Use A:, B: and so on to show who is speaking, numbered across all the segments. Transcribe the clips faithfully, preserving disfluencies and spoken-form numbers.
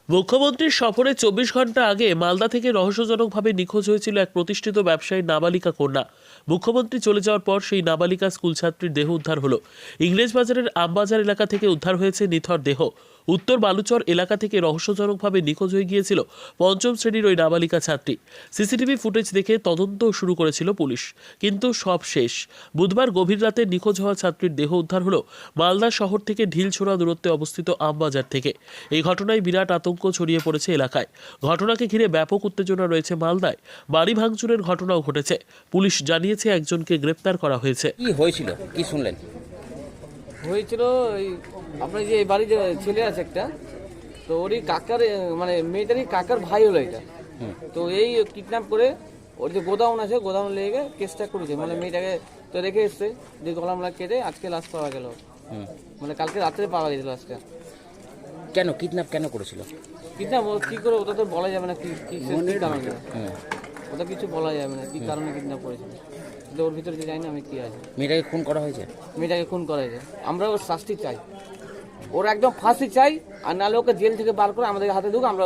A: মুখ্যমন্ত্রীর সফরে চব্বিশ ঘন্টা আগে মালদা থেকে রহস্যজনকভাবে নিখোঁজ হয়েছিল এক প্রতিষ্ঠিত ব্যবসায়ী নাবালিকা কন্যা। মুখ্যমন্ত্রী চলে যাওয়ার পর সেই নাবালিকা স্কুল ছাত্রীর দেহ উদ্ধার হলো। ইংরেজবাজারের আমবাজার এলাকা থেকে উদ্ধার হয়েছে নিথর দেহ। উত্তর বালুচর এলাকা থেকে রহস্যজনকভাবে নিখোঁজ হয়ে গিয়েছিল পঞ্চম শ্রেণীর ওই নাবালিকা ছাত্রী। সিসিটিভি ফুটেজ দেখে তদন্ত শুরু করেছিল পুলিশ, কিন্তু সব শেষ। বুধবার গভীর রাতে নিখোঁজ হওয়া ছাত্রীর দেহ উদ্ধার হলো মালদা শহর থেকে ঢিলছোড়া দূরত্বে অবস্থিত আমবাজার থেকে। এই ঘটনায় বিরাট আতঙ্ক ছড়িয়ে পড়েছে এলাকায়। ঘটনাকে ঘিরে ব্যাপক উত্তেজনা রয়েছে মালদায়। বাড়ি ভাঙচুরের ঘটনাও ঘটেছে। পুলিশ জানিয়েছে একজনকে গ্রেপ্তার করা হয়েছে।
B: কি হয়েছিল, কি শুনলেন?
C: হয়েছিল এই আপনার যে এই বাড়ির যে ছেলে আছে একটা, তো ওরই কাকার মানে মেয়েটারই কাকার ভাই হলো এটা। তো এই কিডন্যাপ করে ওর যে গোদাউন আছে গোদাউন লেগে কেসটা করেছে, মানে মেয়েটাকে তো রেখে এসছে, যে গলামলা কেটে আজকে লাশ পাওয়া গেল। মানে কালকে রাত্রে পাওয়া গেছিল লাশটা।
B: কেন কিডন্যাপ কেন করেছিল?
C: কিডন্যাপ কি করে ওটা তো বলা যাবে না, কি কি কারণে ওটা কিছু বলা যাবে না, কি কারণে কিডন্যাপ করেছিল। কিন্তু ওর ভিতরে যে জানি না আমি কি আছে।
B: মেয়েটাকে খুন করা হয়েছে?
C: মেয়েটাকে খুন করা হয়েছে। আমরা ওর শাস্তি চাই, ওর একদম ফাঁসি চাই, আর নাহলে ওকে জেল থেকে বার করে আমাদের হাতে দেবো। আমরা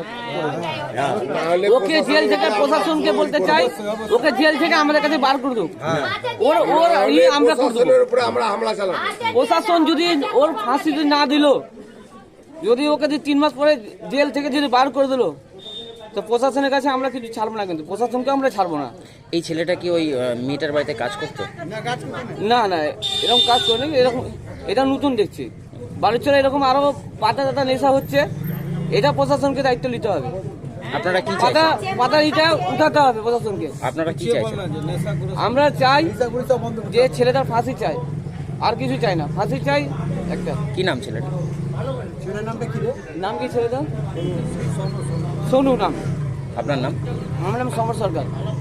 C: ওকে জেল থেকে প্রশাসনকে বলতে চাই, ওকে জেল থেকে আমাদের কাছে বার করে দেবো। ওর ওর আমরা প্রশাসন যদি ওর ফাঁসি যদি না দিল, যদি ওকে যদি তিন মাস পরে জেল থেকে যদি বার করে দিল, তো প্রশাসনের কাছে আমরা কিছু ছাড়বো না, কিন্তু প্রশাসনকে আমরা ছাড়বো না।
B: এই ছেলেটা কি ওই মেয়েটার বাড়িতে কাজ করতো?
C: না না, এরকম কাজ করেনি। এরকম এটা নতুন দেখছি বালুচরে, এরকম আরো পাতা টাতা নেশা হচ্ছে। এটা প্রশাসনকে দায়িত্ব নিতে হবে।
B: আপনারা কি
C: পাতা
B: চাইছেন?
C: পাতা এটা উঠাতে হবে প্রশাসনকে।
B: আপনারা কি চাইছেন?
C: আমরা চাই যে ছেলেটার ফাঁসি চাই, আর কিছু চাই না, ফাঁসি চাই একটা।
B: কি নাম ছেলেটা?
C: নাম কি ছেলেটা? সোনু নাম।
B: আপনার নাম?
C: আমার নাম সমর সরকার।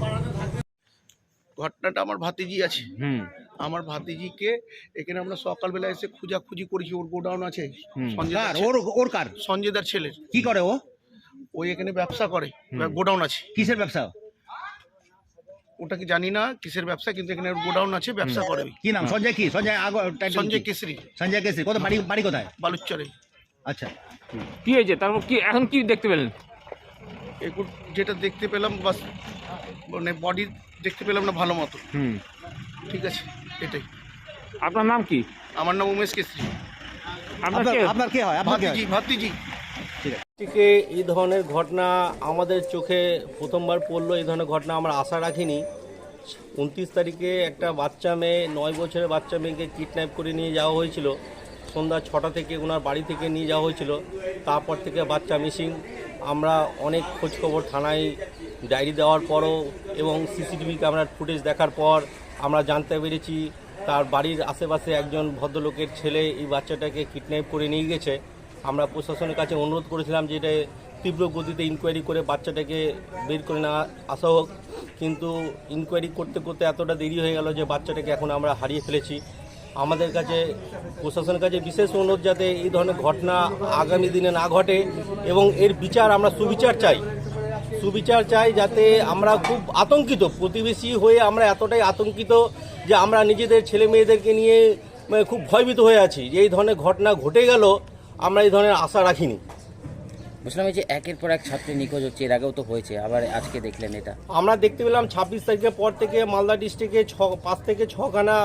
D: ঘটনাটা আমার ভাতিজি আছে, আমার ভাতিজিকে এখানে আমরা সকালবেলা এসে খোঁজাখুঁজি করেছি। ওর গোডাউন আছে
E: ওর কার?
D: সঞ্জয়দার ছেলে।
E: কি করে ও?
D: ওই এখানে ব্যবসা করে, গোডাউন আছে।
E: কিসের ব্যবসা?
D: ওটা কি জানি না কিসের ব্যবসা, কিন্তু এখানে ওর গোডাউন আছে, ব্যবসা করে।
E: কি নাম? সঞ্জয় কি? সঞ্জয় আগ
D: সঞ্জয় কেশরি।
E: সঞ্জয় কেশরি। কোথায় বাড়ি? বাড়ি কোথায়?
D: বালুচরে।
E: আচ্ছা,
F: কি হয়েছে তারপর? কি এখন কি দেখতে পেলেন?
D: এখন যেটা দেখতে পেলাম বাস, মানে বডি দেখতে পেলাম না ভালো মতো।
F: হুম,
D: ঠিক আছে, এটাই।
F: আপনার নাম কি?
D: আমার নাম উমেশ কেশরি।
F: আপনার কে?
E: আপনার কে হয়? আপনার কে হয়?
D: ভাতিজি ভাতিজি
G: থেকে এই ধরনের ঘটনা আমাদের চোখে প্রথমবার পড়লো। এই ধরনের ঘটনা আমরা আশা রাখিনি। উনত্রিশ তারিখে একটা বাচ্চা মেয়ে, নয় বছরের বাচ্চা মেয়েকে কিডন্যাপ করে নিয়ে যাওয়া হয়েছিল। সন্ধ্যা ছটা থেকে ওনার বাড়ি থেকে নিয়ে যাওয়া হয়েছিল। তারপর থেকে বাচ্চা মিসিং। আমরা অনেক খোঁজখবর থানায় ডায়েরি দেওয়ার পরও এবং সিসিটিভি ক্যামেরার ফুটেজ দেখার পর আমরা জানতে পেরেছি তার বাড়ির আশেপাশে একজন ভদ্রলোকের ছেলে এই বাচ্চাটাকে কিডন্যাপ করে নিয়ে গেছে। আমরা প্রশাসনের কাছে অনুরোধ করেছিলাম যে এটা তীব্র গতিতে ইনকোয়ারি করে বাচ্চাটাকে বের করে না আসা হোক, কিন্তু ইনকোয়ারি করতে করতে এতটা দেরি হয়ে গেল যে বাচ্চাটাকে এখন আমরা হারিয়ে ফেলেছি। আমাদের কাছে প্রশাসনের কাছে বিশেষ অনুরোধ যাতে এই ধরনের ঘটনা আগামী দিনে না ঘটে এবং এর বিচার আমরা সুবিচার চাই। সুবিচার চাই যাতে আমরা খুব আতঙ্কিত, প্রতিবেশী হয়ে আমরা এতটাই আতঙ্কিত যে আমরা নিজেদের ছেলে মেয়েদেরকে নিয়ে খুব ভয়ভীত হয়ে আছি যে এই ধরনের ঘটনা ঘটে গেল। আমরা এই ধরনের আশা রাখিনি।
B: বুঝলাম এই যে একের পর এক ছাত্রী নিখোঁজ হচ্ছে, এর আগেও তো হয়েছে, আবার আজকে দেখলেন এটা?
G: আমরা দেখতে পেলাম ছাব্বিশ তারিখের পর থেকে মালদা ডিস্ট্রিক্টে ছ পাঁচ থেকে ছখানা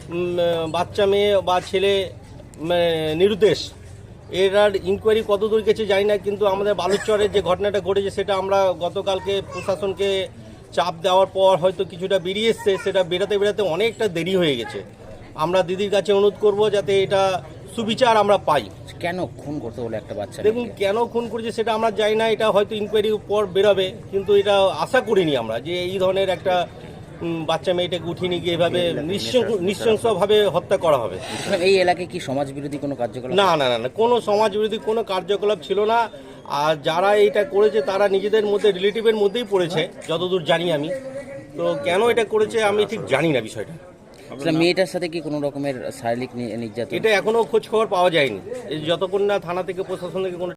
G: বাচ্চা মেয়ে বা ছেলে নিরুদ্দেশ। এর আর ইনকোয়ারি কত দূর গেছে জানি না, কিন্তু আমাদের বালুচরের যে ঘটনাটা ঘটেছে সেটা আমরা গতকালকে প্রশাসনকে চাপ দেওয়ার পর হয়তো কিছুটা বেরিয়ে এসছে, সেটা বেরাতে বেরাতে অনেকটা দেরি হয়ে গেছে। আমরা দিদির কাছে অনুরোধ করব যাতে এটা সুবিচার আমরা পাই।
B: কেন খুন করতে হলো একটা বাচ্চা?
G: দেখুন, কেন খুন করেছে সেটা আমরা জানি না, এটা হয়তো ইনকোয়ারির পর বেরোবে, কিন্তু এটা আশা করিনি আমরা যে এই ধরনের একটা বাচ্চা মেয়েটাকে উঠিয়ে নিয়ে গিয়ে এভাবে নৃশংসভাবে হত্যা করা হবে।
B: এই এলাকায় কি সমাজ বিরোধী কোনো কার্যকলাপ?
G: না না না না, কোনো সমাজ বিরোধী কোনো কার্যকলাপ ছিল না। আর যারা এইটা করেছে তারা নিজেদের মধ্যে রিলেটিভের মধ্যেই পড়েছে যতদূর জানি আমি। তো কেন এটা করেছে আমি ঠিক জানি না বিষয়টা।
B: মেয়েটার সাথে কি কোনো রকমের শারীরিক নির্যাতন?
G: এটা এখনো খোঁজ খবর পাওয়া যায়নি, যতক্ষণ না থানা থেকে প্রশাসন থেকে কোনো